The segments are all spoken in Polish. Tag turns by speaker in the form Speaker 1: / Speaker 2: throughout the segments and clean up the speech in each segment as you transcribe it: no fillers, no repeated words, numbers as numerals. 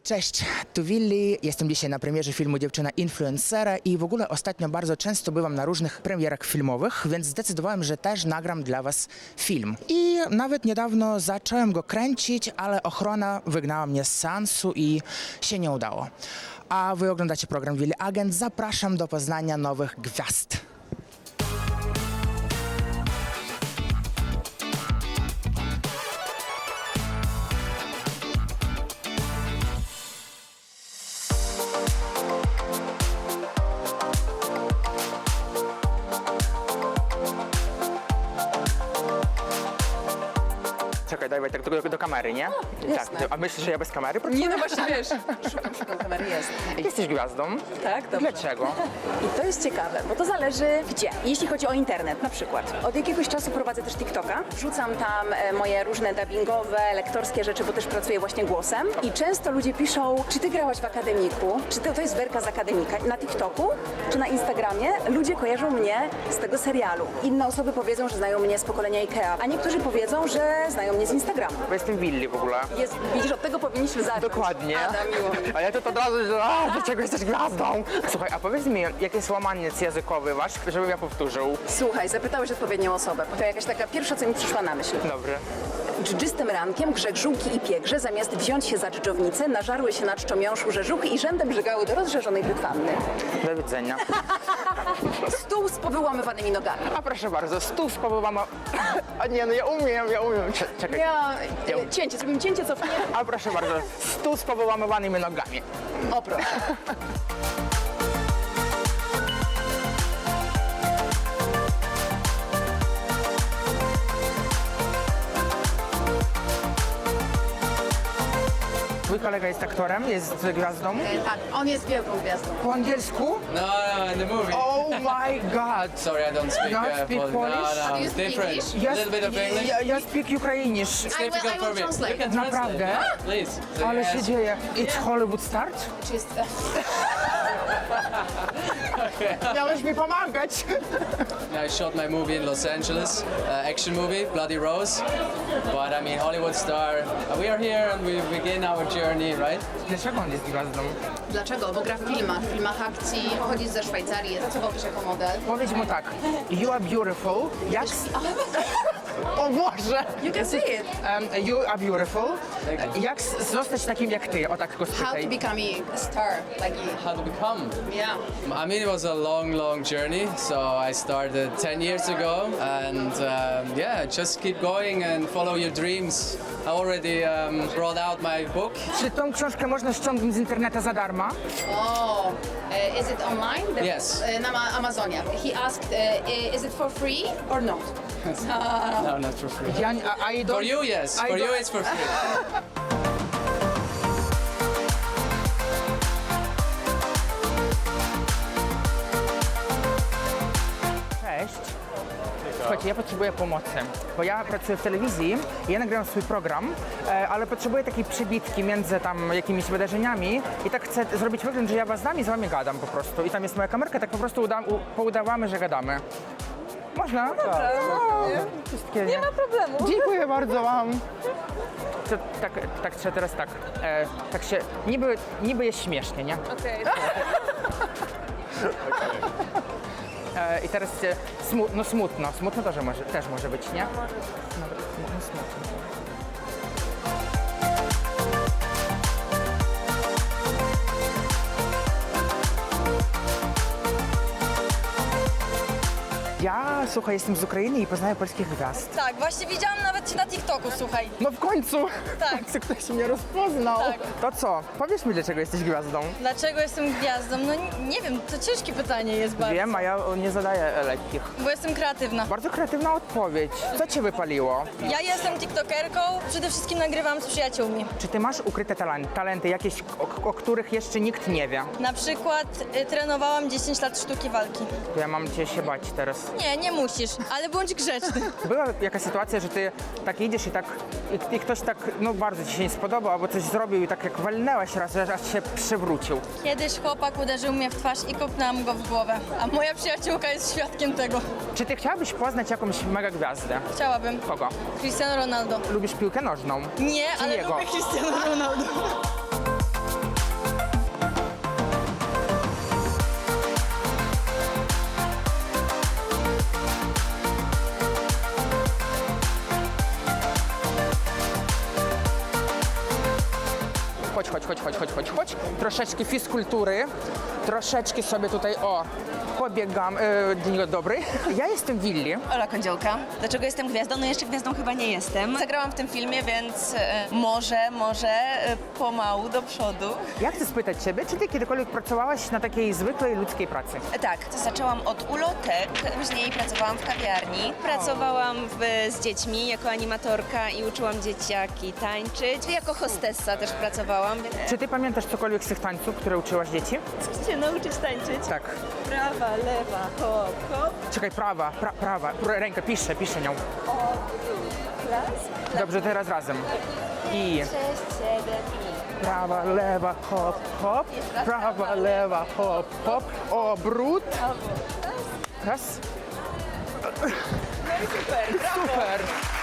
Speaker 1: Cześć, tu Willi. Jestem dzisiaj na premierze filmu Dziewczyna Influencera i w ogóle ostatnio bardzo często bywam na różnych premierach filmowych, więc zdecydowałem, że też nagram dla Was film. I nawet niedawno zacząłem go kręcić, ale ochrona wygnała mnie z seansu i się nie udało. A Wy oglądacie program Willi Agent. Zapraszam do poznania nowych gwiazd. Czekaj, daj tak do kamery, nie?
Speaker 2: jasne.
Speaker 1: Tak. A myślisz, że ja bez kamery?
Speaker 2: Nie, no właśnie wiesz. Szukam kamery, jest.
Speaker 1: Jesteś gwiazdą.
Speaker 2: Tak, dobrze.
Speaker 1: Dlaczego?
Speaker 2: I to jest ciekawe, bo to zależy gdzie. Jeśli chodzi o internet na przykład. Od jakiegoś czasu prowadzę też TikToka. Wrzucam tam moje różne dubbingowe, lektorskie rzeczy, bo też pracuję właśnie głosem. I często ludzie piszą, czy ty grałaś w akademiku? Czy to jest Werka z akademika? Na TikToku czy na Instagramie ludzie kojarzą mnie z tego serialu. Inne osoby powiedzą, że znają mnie z pokolenia IKEA, a niektórzy powiedzą, że znają mnie z Instagramu.
Speaker 1: Bo jestem Willi w ogóle.
Speaker 2: Widzisz, od tego powinniśmy zacząć.
Speaker 1: Dokładnie.
Speaker 2: Ada, miło mi.
Speaker 1: A ja to od razu, że dlaczego jesteś gwiazdą? Słuchaj, a powiedz mi, jaki jest łamaniec językowy wasz, żebym ja powtórzył.
Speaker 2: Słuchaj, zapytałeś odpowiednią osobę. To jakaś taka pierwsza, co mi przyszła na myśl.
Speaker 1: Dobry.
Speaker 2: Dżdżystym rankiem grzegżółki i piegrze, zamiast wziąć się za dżdżownicę, nażarły się na czczomiąższu rzeżuchy i rzędem brzygały do rozżarzonej brytwanny.
Speaker 1: Do widzenia.
Speaker 2: Stół z powyłamywanymi nogami.
Speaker 1: A proszę bardzo, stół z powołama... A nie, no ja umiem. Czekaj.
Speaker 2: Cięcie, zrobimy cięcie, cofnie.
Speaker 1: A proszę bardzo, stół z powyłamywanymi nogami.
Speaker 2: O proszę.
Speaker 1: Twój kolega jest aktorem, jest gwiazdą.
Speaker 2: Tak, on jest wielką gwiazdą.
Speaker 1: Po angielsku?
Speaker 3: No, in the movie.
Speaker 1: Oh my god!
Speaker 3: Sorry, I don't speak,
Speaker 1: You don't speak Polish?
Speaker 3: No,
Speaker 2: Do you
Speaker 3: it's
Speaker 2: speak
Speaker 3: different.
Speaker 2: English?
Speaker 3: A little bit of English.
Speaker 1: Ja speak ukrainisz.
Speaker 3: It's
Speaker 2: I will
Speaker 3: difficult for me.
Speaker 2: translate.
Speaker 3: You can translate.
Speaker 1: Naprawdę?
Speaker 3: Yeah, please. So
Speaker 1: Ale
Speaker 3: you
Speaker 1: się
Speaker 3: ask-
Speaker 1: dzieje. It's Hollywood start?
Speaker 2: Czy jest...
Speaker 1: Miałeś mi pomagać.
Speaker 3: I shot my movie in Los Angeles, action movie, Bloody Rose. But I mean, Hollywood star. We are here and we begin our journey, right?
Speaker 1: Dlaczego on jest gwiazdą?
Speaker 2: Dlaczego? Bo gra w filmach akcji, pochodzi ze Szwajcarii, pracował też jako model.
Speaker 1: Powiedz mu tak. You are beautiful. Jak... O Boże!
Speaker 2: You can see it.
Speaker 1: You are beautiful. Jak zostać takim jak ty? O tak go
Speaker 2: How to
Speaker 1: spytaj.
Speaker 2: become a star like you.
Speaker 3: How to become?
Speaker 2: Yeah.
Speaker 3: I mean, it was a long, long journey. So I started 10 years ago, and yeah, just keep going and follow your dreams. I already brought out my book.
Speaker 1: Czy tą książkę można ściągnąć z internetu za darmo?
Speaker 2: Oh, is it online?
Speaker 3: Yes.
Speaker 2: Na Amazonie. He asked, is it for free or not?
Speaker 3: No, not for free.
Speaker 1: I don't...
Speaker 3: For you, yes.
Speaker 1: I
Speaker 3: For you,
Speaker 1: don't-
Speaker 3: it's for free.
Speaker 1: Cześć. Słuchajcie, ja potrzebuję pomocy, bo ja pracuję w telewizji, ja nagrywam swój program, ale potrzebuję takiej przebitki między tam jakimiś wydarzeniami i tak chcę zrobić wygląd, że ja was znam i z wami gadam po prostu. I tam jest moja kamerka, tak po prostu poudawamy, że gadamy. Można? No dobra. Nie ma problemu. Dziękuję bardzo wam. To, tak trzeba teraz tak, tak się, niby jest śmiesznie, nie?
Speaker 4: Okej.
Speaker 1: I teraz smutno też może być, nie? Nawet smutno. Ja, słuchaj, jestem z Ukrainy i poznaję polskich gwiazd.
Speaker 4: Tak, właśnie widziałam nawet cię na TikToku, słuchaj.
Speaker 1: No w końcu!
Speaker 4: Tak.
Speaker 1: Ktoś mnie rozpoznał.
Speaker 4: Tak.
Speaker 1: To co? Powiedz mi, dlaczego jesteś gwiazdą.
Speaker 4: Dlaczego jestem gwiazdą? No nie wiem, to ciężkie pytanie jest bardzo.
Speaker 1: Wiem, a ja nie zadaję lekkich.
Speaker 4: Bo jestem kreatywna.
Speaker 1: Bardzo kreatywna odpowiedź. Co cię wypaliło?
Speaker 4: Ja jestem tiktokerką, przede wszystkim nagrywam z przyjaciółmi.
Speaker 1: Czy ty masz ukryte talenty jakieś, o których jeszcze nikt nie wie?
Speaker 4: Na przykład trenowałam 10 lat sztuki walki.
Speaker 1: To ja mam cię się bać teraz.
Speaker 4: Nie musisz, ale bądź grzeczny.
Speaker 1: Była jakaś sytuacja, że ty tak idziesz i ktoś tak, no bardzo ci się nie spodobał, albo coś zrobił i tak jak walnęłaś raz, że aż się przewrócił.
Speaker 4: Kiedyś chłopak uderzył mnie w twarz i kopnęłam go w głowę, a moja przyjaciółka jest świadkiem tego.
Speaker 1: Czy ty chciałabyś poznać jakąś mega gwiazdę?
Speaker 4: Chciałabym.
Speaker 1: Kogo?
Speaker 4: Cristiano Ronaldo.
Speaker 1: Lubisz piłkę nożną?
Speaker 4: Nie, ale
Speaker 1: jego?
Speaker 4: lubię Cristiano Ronaldo.
Speaker 1: Chodź. Troszeczkę fizkultury, troszeczkę sobie tutaj, pobiegam. Dzień dobry. Ja jestem Willi.
Speaker 5: Ola Kądziołka. Dlaczego jestem gwiazdą? No jeszcze gwiazdą chyba nie jestem. Zagrałam w tym filmie, więc może pomału do przodu.
Speaker 1: Ja chcę spytać Ciebie, czy Ty kiedykolwiek pracowałaś na takiej zwykłej ludzkiej pracy?
Speaker 5: Tak, zaczęłam od ulotek, później pracowałam w kawiarni. Pracowałam z dziećmi jako animatorka i uczyłam dzieciaki tańczyć. Jako hostessa też pracowałam.
Speaker 1: Czy Ty pamiętasz cokolwiek z tych tańców, które uczyłaś dzieci?
Speaker 5: Chcesz się nauczyć tańczyć?
Speaker 1: Tak.
Speaker 5: Prawa, lewa, hop, hop.
Speaker 1: Czekaj, prawa. Rękę, piszę nią.
Speaker 5: Raz,
Speaker 1: Dobrze, teraz razem. I
Speaker 5: 6, 7 i...
Speaker 1: prawa, lewa, hop. Prawa, lewa, hop. Obrót. Raz. Super.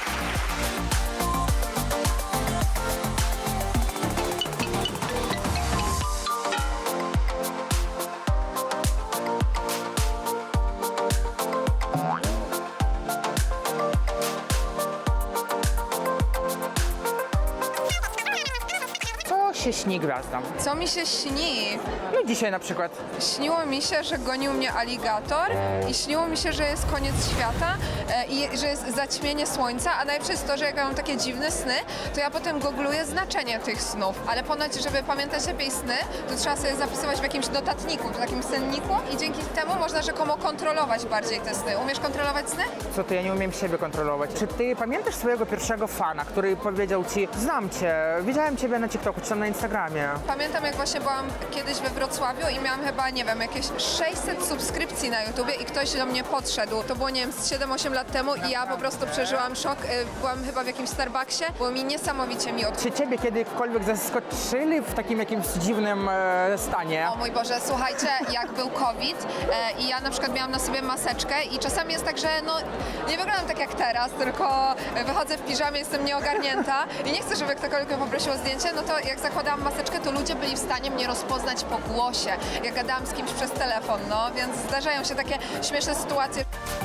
Speaker 1: Co się śni gwiazdom?
Speaker 6: Co mi się śni?
Speaker 1: No dzisiaj na przykład.
Speaker 6: Śniło mi się, że gonił mnie aligator i śniło mi się, że jest koniec świata i że jest zaćmienie słońca, a najlepsze jest to, że jak ja mam takie dziwne sny, to ja potem googluję znaczenie tych snów, ale ponoć, żeby pamiętać lepiej sny, to trzeba sobie zapisywać w jakimś notatniku, w takim senniku i dzięki temu można rzekomo kontrolować bardziej te sny. Umiesz kontrolować sny?
Speaker 1: Co ty, ja nie umiem siebie kontrolować. Czy ty pamiętasz swojego pierwszego fana, który powiedział ci, znam cię, widziałem ciebie na TikToku czy tam na Instagramie?
Speaker 6: Pamiętam, jak właśnie byłam kiedyś we Wrocławiu i miałam chyba, nie wiem, jakieś 600 subskrypcji na YouTubie i ktoś do mnie podszedł. To było, nie wiem, z 7-8 lat temu i ja po prostu przeżyłam szok. Byłam chyba w jakimś Starbucksie, było mi niesamowicie miło.
Speaker 1: Czy ciebie kiedykolwiek zaskoczyli w takim jakimś dziwnym stanie?
Speaker 6: O mój Boże, słuchajcie, jak był COVID i ja na przykład miałam na sobie maseczkę i czasami jest tak, że no nie wyglądam tak jak teraz, tylko wychodzę w piżamie, jestem nieogarnięta i nie chcę, żeby ktokolwiek mnie poprosił o zdjęcie, no to jak zakładałam maseczkę, to ludzie byli w stanie mnie rozpoznać po głosie, jak gadałam z kimś przez telefon, no więc zdarzają się takie śmieszne sytuacje.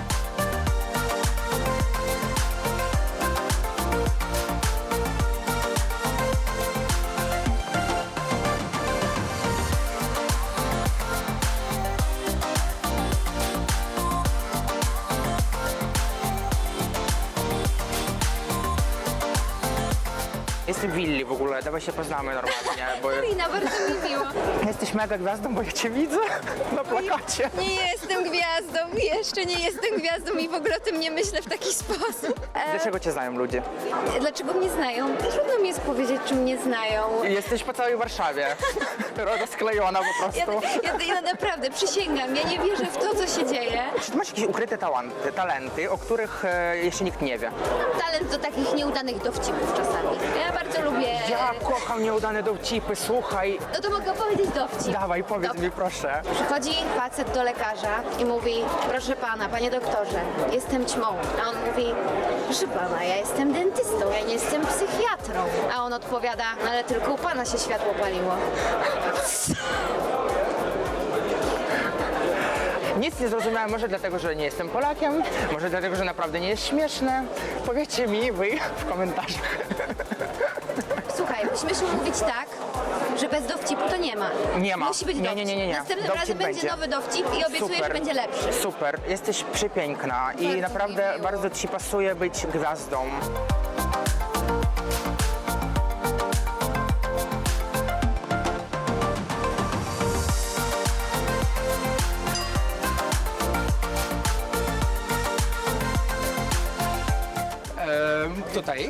Speaker 1: Jestem Willi w ogóle, dawaj się poznamy normalnie, bo
Speaker 7: Karina, bardzo mi miło.
Speaker 1: jesteś mega gwiazdą, bo ja cię widzę na plakacie.
Speaker 7: Nie jestem gwiazdą, jeszcze nie jestem gwiazdą i w ogóle o tym nie myślę w taki sposób.
Speaker 1: Dlaczego cię znają ludzie?
Speaker 7: Dlaczego mnie znają? Trudno mi jest powiedzieć, czy mnie znają.
Speaker 1: Jesteś po całej Warszawie. Rozklejona po prostu.
Speaker 7: Ja naprawdę przysięgam, ja nie wierzę w to, co się dzieje.
Speaker 1: Czy ty masz jakieś ukryte talenty, o których jeszcze nikt nie wie?
Speaker 7: Mam talent do takich nieudanych dowcipów czasami. Ja bardzo lubię...
Speaker 1: Ja kocham nieudane dowcipy, słuchaj.
Speaker 7: No to mogę opowiedzieć dowcip.
Speaker 1: Dawaj, powiedz
Speaker 7: Dobra.
Speaker 1: mi proszę.
Speaker 7: Przychodzi facet do lekarza i mówi: proszę pana, panie doktorze, jestem ćmą. A on mówi: proszę pana, ja jestem dentystą, ja nie jestem psychiatrą. A on odpowiada: no ale tylko u pana się światło paliło.
Speaker 1: Nic nie zrozumiałem, może dlatego, że nie jestem Polakiem, może dlatego, że naprawdę nie jest śmieszne. Powiedzcie mi wy w komentarzach.
Speaker 7: Słuchaj, musimy mówić tak, że bez dowcipu to nie ma.
Speaker 1: Nie ma.
Speaker 7: Musi być
Speaker 1: Nie,
Speaker 7: dowcip.
Speaker 1: nie.
Speaker 7: Następnym
Speaker 1: Dowcip
Speaker 7: razem będzie
Speaker 1: będzie.
Speaker 7: nowy dowcip i obiecuję, że będzie lepszy.
Speaker 1: Super, jesteś przepiękna i
Speaker 7: Bardzo
Speaker 1: naprawdę
Speaker 7: mi miło.
Speaker 1: bardzo ci pasuje być gwiazdą. Tutaj.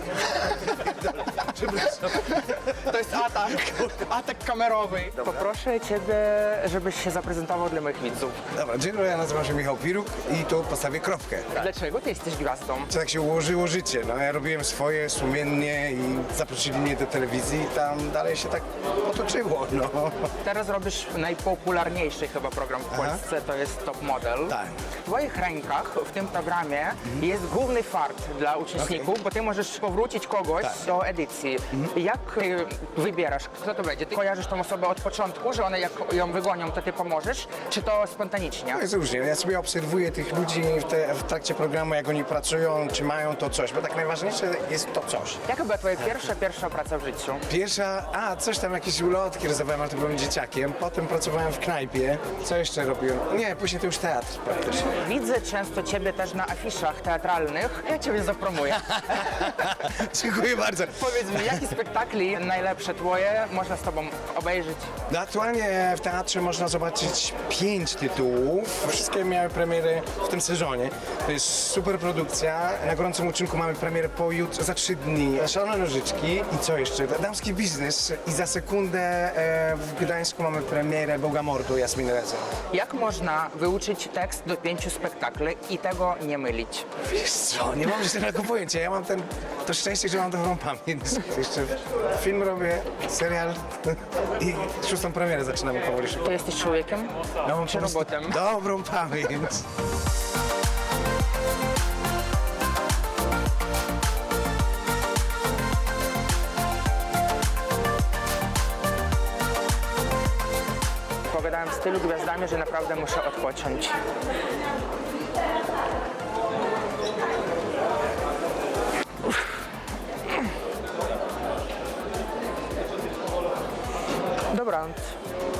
Speaker 1: To jest atak kamerowy. Poproszę Ciebie, żebyś się zaprezentował dla moich widzów.
Speaker 8: Dobra, dzień dobry, ja nazywam się Michał Piruk i tu postawię kropkę.
Speaker 1: Dlaczego Ty jesteś gwiazdą?
Speaker 8: Tak się ułożyło życie, no ja robiłem swoje sumiennie i zaprosili mnie do telewizji i tam dalej się tak potoczyło, no.
Speaker 1: Teraz robisz najpopularniejszy chyba program w Polsce, to jest Top Model.
Speaker 8: Tak.
Speaker 1: W Twoich rękach w tym programie jest główny fart dla uczestników, bo Ty możesz powrócić kogoś
Speaker 8: Tak.
Speaker 1: do edycji. Jak Ty wybierasz wybierasz, kto to będzie? Ty kojarzysz tą osobę od początku, że one jak ją wygonią, to ty pomożesz, czy to spontanicznie?
Speaker 8: To jest różnie. Ja sobie obserwuję tych ludzi w trakcie programu, jak oni pracują, czy mają to coś, bo tak najważniejsze jest to coś.
Speaker 1: Jaka była twoja pierwsza praca w życiu?
Speaker 8: Coś tam, jakieś ulotki rysowałem, ale to byłem dzieciakiem. Potem pracowałem w knajpie. Co jeszcze robiłem? Nie, później to już teatr praktycznie.
Speaker 1: Widzę często ciebie też na afiszach teatralnych. Ja ciebie zapromuję.
Speaker 8: Dziękuję bardzo.
Speaker 1: Powiedz mi, jakie spektakli najlepsze twoje można z tobą obejrzeć?
Speaker 8: No, aktualnie w teatrze można zobaczyć 5 tytułów. Wszystkie miały premiery w tym sezonie. To jest super produkcja. Na gorącym uczynku mamy premierę pojutrze, za 3 dni. Szalone nożyczki. I co jeszcze? Damski biznes. I za sekundę w Gdańsku mamy premierę Bogomordu Jasminy Rezer.
Speaker 1: Jak można wyuczyć tekst do 5 spektakli i tego nie mylić?
Speaker 8: Wiesz co, nie mam jeszcze tego pojęcia. Ja mam to szczęście, że mam dobrą pamięć. Jeszcze film robię, serial i 6. premierę zaczynamy powoli.
Speaker 1: To jesteś człowiekiem?
Speaker 8: Ja mam
Speaker 1: Czy
Speaker 8: po prostu
Speaker 1: robotem?
Speaker 8: dobrą pamięć.
Speaker 1: Pogadałem w stylu gwiazdami, że naprawdę muszę odpocząć. Dobranoc.